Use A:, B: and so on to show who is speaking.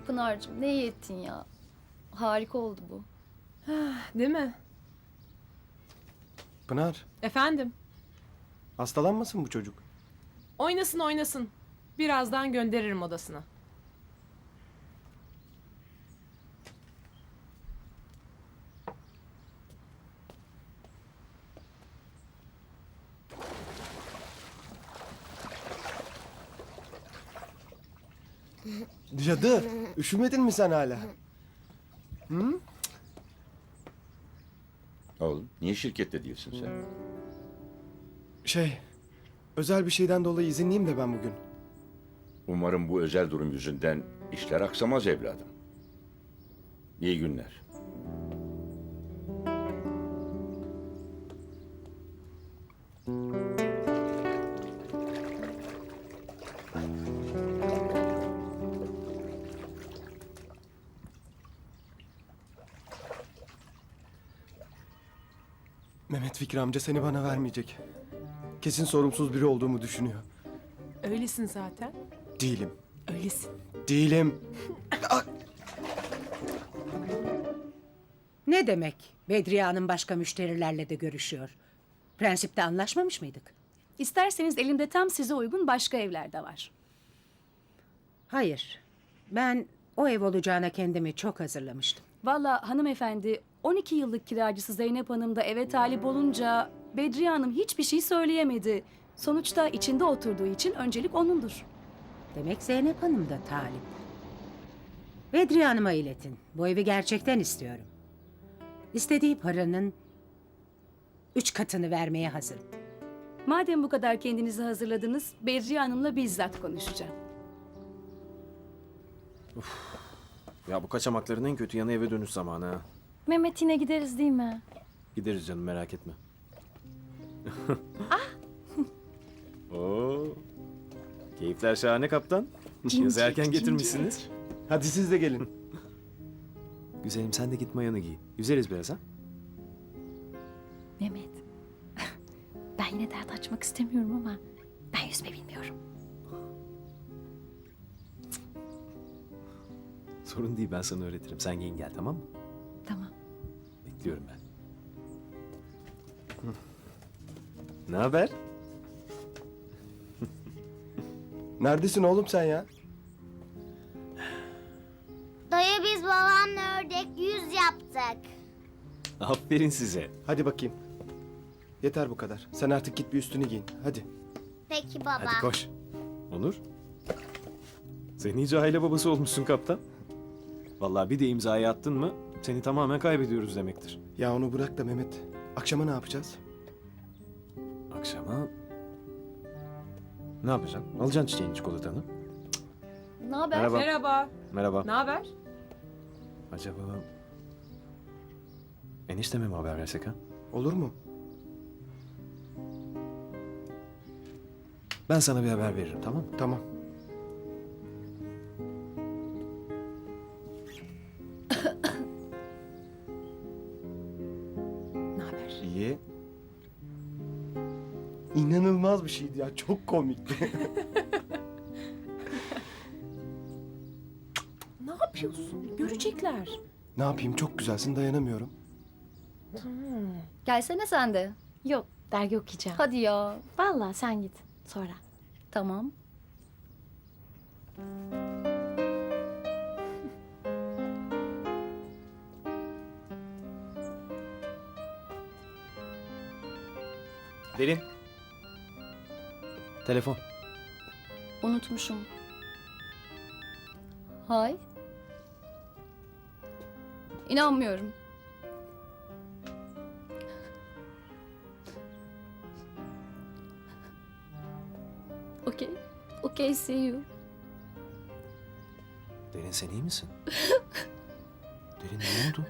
A: Pınar'cığım ne iyi ettin ya. Harika oldu bu.
B: Değil mi?
C: Pınar,
B: Efendim?
C: hastalanmasın bu çocuk.
B: Oynasın oynasın. Birazdan gönderirim odasına.
C: Cadı, üşümedin mi sen hala?
D: Oğlum niye şirkette değilsin sen?
C: Özel bir şeyden dolayı izinliyim de ben bugün.
D: Umarım bu özel durum yüzünden işler aksamaz evladım. İyi günler.
C: Mehmet Fikri amca seni bana vermeyecek. Kesin sorumsuz biri olduğumu düşünüyor.
B: Öylesin zaten.
C: Değilim.
B: Öylesin.
C: Değilim.
E: Ne demek? Bedriye Hanım başka müşterilerle de görüşüyor. Prensipte anlaşmamış mıydık?
F: İsterseniz elimde tam size uygun başka evler de var.
E: Hayır. Ben o ev olacağına kendimi çok hazırlamıştım.
F: Vallahi hanımefendi 12 yıllık kiracısı Zeynep Hanım da eve talip olunca Bedriye Hanım hiçbir şey söyleyemedi. Sonuçta içinde oturduğu için öncelik onundur.
E: Demek Zeynep Hanım da talip. Bedriye Hanım'a iletin. Bu evi gerçekten istiyorum. İstediği paranın 3 katını vermeye hazırım.
F: Madem bu kadar kendinizi hazırladınız, Bedriye Hanım'la bizzat konuşacağım.
G: Ya bu kaçamakların en kötü yanı eve dönüş zamanı ha.
A: Mehmet yine gideriz değil mi?
G: Gideriz canım merak etme. Oo. Keyifler şahane kaptan. Yazı erken getirmişsiniz.
C: Hadi siz de gelin.
G: Güzelim sen de git mayanı giy. Yüzeriz biraz ha.
A: Mehmet. Ben yine dert açmak istemiyorum ama ben yüzme bilmiyorum.
G: Sorun değil ben sana öğretirim. Sen giyin gel tamam mı?
A: Tamam.
G: Bekliyorum ben. Ne haber?
C: Neredesin oğlum sen ya?
H: Dayı biz babamla ördek yüz yaptık.
G: Aferin size.
C: Hadi bakayım. Yeter bu kadar. Sen artık git bir üstünü giyin. Hadi.
H: Peki baba.
G: Hadi koş. Onur. Sen iyice aile babası olmuşsun kaptan. Vallahi bir de imzayı attın mı seni tamamen kaybediyoruz demektir.
C: Ya onu bırak da Mehmet. Akşama ne yapacağız?
G: Akşama ne yapacaksın? Alacaksın çiçeğin çikolatanı.
A: Ne haber?
G: Merhaba.
B: Merhaba.
G: Merhaba.
B: Ne haber?
G: Acaba enişteme mi haber versek ha?
C: Olur mu?
G: Ben sana bir haber veririm tamam mı?
C: Tamam.
B: Ne haber?
G: İyi.
C: İnanılmaz bir şeydi ya. Çok komikti.
B: Ne yapıyorsun? Görecekler.
C: Ne yapayım? Çok güzelsin. Dayanamıyorum.
A: Gelsene sen de.
I: Yok, dergi okuyacağım.
A: Hadi ya.
I: Vallahi sen git sonra.
A: Tamam.
G: Derin. Telefon.
A: Unutmuşum. Hay. İnanmıyorum. Okay. Okay, see you.
G: Derin sen iyi misin? Derin ne oldu?